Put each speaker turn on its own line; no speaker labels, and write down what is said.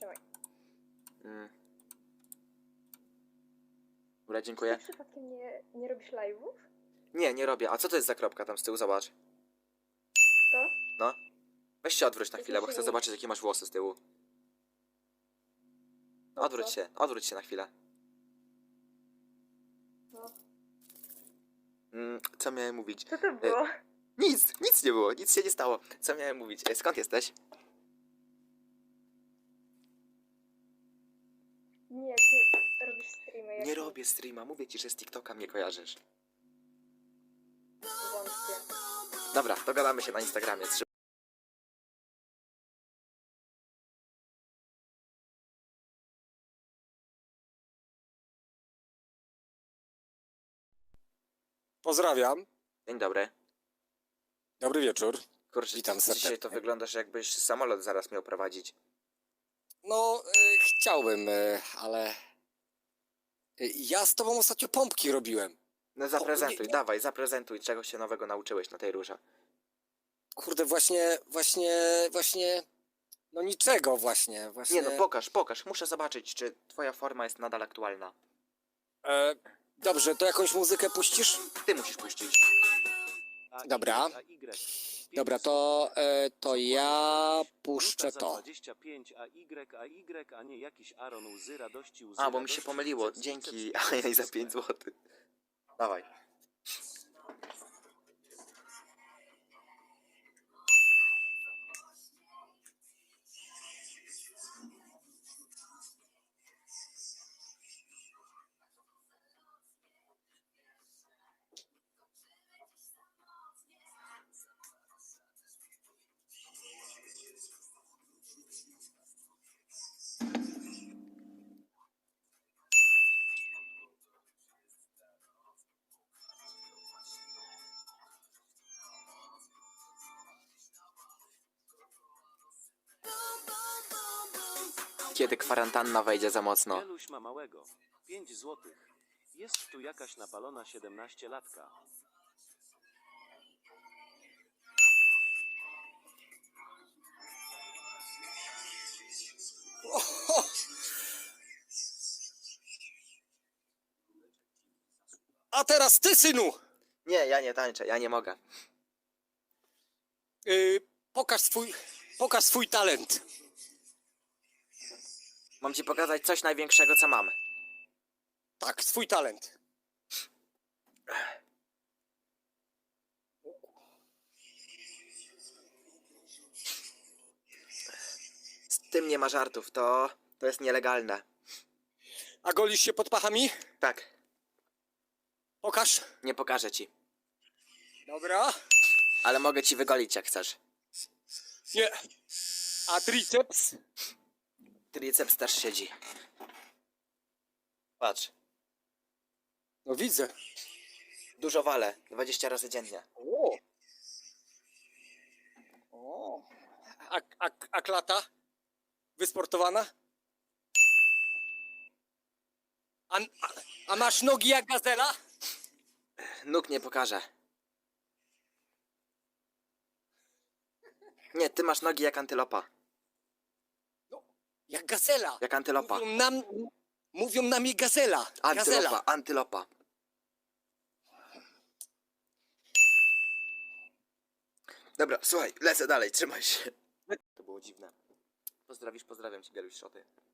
Trzymaj.
Dobra, dziękuję.
Ty przypadkiem nie robisz live'ów?
Nie robię. A co to jest za kropka tam z tyłu? Zobacz.
To?
No. Weź się odwróć na
Jakiś
chwilę, bo chcę
silnik.
zobaczyć, jakie masz włosy z tyłu.
Po co?
Odwróć się na chwilę.
No.
Co miałem mówić?
Co to było?
Nic nie było, nic się nie stało. Co miałem mówić? Skąd jesteś?
Nie, ty robisz streamy.
Nie robię streama, mówię ci, że z TikToka mnie kojarzysz.
Wątpię.
Dobra, dogadamy się na Instagramie.
Pozdrawiam.
Dzień dobry.
Dobry wieczór.
Kurczę,
Witam
dzisiaj
serdecznie.
to wyglądasz, jakbyś samolot zaraz miał prowadzić.
No, chciałbym, ale... ja z tobą ostatnio pompki robiłem.
No zaprezentuj,
nie.
dawaj, zaprezentuj, czego się nowego nauczyłeś na tej rurze.
Kurde, właśnie... No niczego właśnie.
Nie no, pokaż, muszę zobaczyć, czy twoja forma jest nadal aktualna.
Dobrze, to jakąś muzykę puścisz?
Ty musisz puścić.
Dobra. Dobra, to ja puszczę to.
25 a nie jakiś Aaron łzy radości, łzy
A, bo mi
radości,
się pomyliło,
przed-
dzięki,
przed-
a ja za 5 zł. Dawaj. Kiedy kwarantanna wejdzie za mocno.
Wieluś ma małego. 5 złotych. Jest tu jakaś napalona 17-latka.
A teraz ty, synu!
Nie, ja nie tańczę, ja nie mogę.
Pokaż swój talent.
Mam ci pokazać coś największego, co mam.
Tak, swój talent.
Z tym nie ma żartów, to jest nielegalne.
A golisz się pod pachami?
Tak,
Pokaż.
nie pokażę ci.
Dobra.
Ale mogę ci wygolić, jak chcesz.
Nie. A triceps?
Triceps też siedzi. Patrz,
No widzę.
dużo walę, 20 razy dziennie.
O. A klata? Wysportowana? A masz nogi jak gazela?
Nóg nie pokażę. Nie, ty masz nogi jak antylopa.
Jak gazela.
Jak antylopa.
Mówią na mnie gazela. Gazela.
Antylopa. Dobra, słuchaj, lecę dalej, trzymaj się. To było dziwne. Pozdrawiam cię, Bieluś Szoty.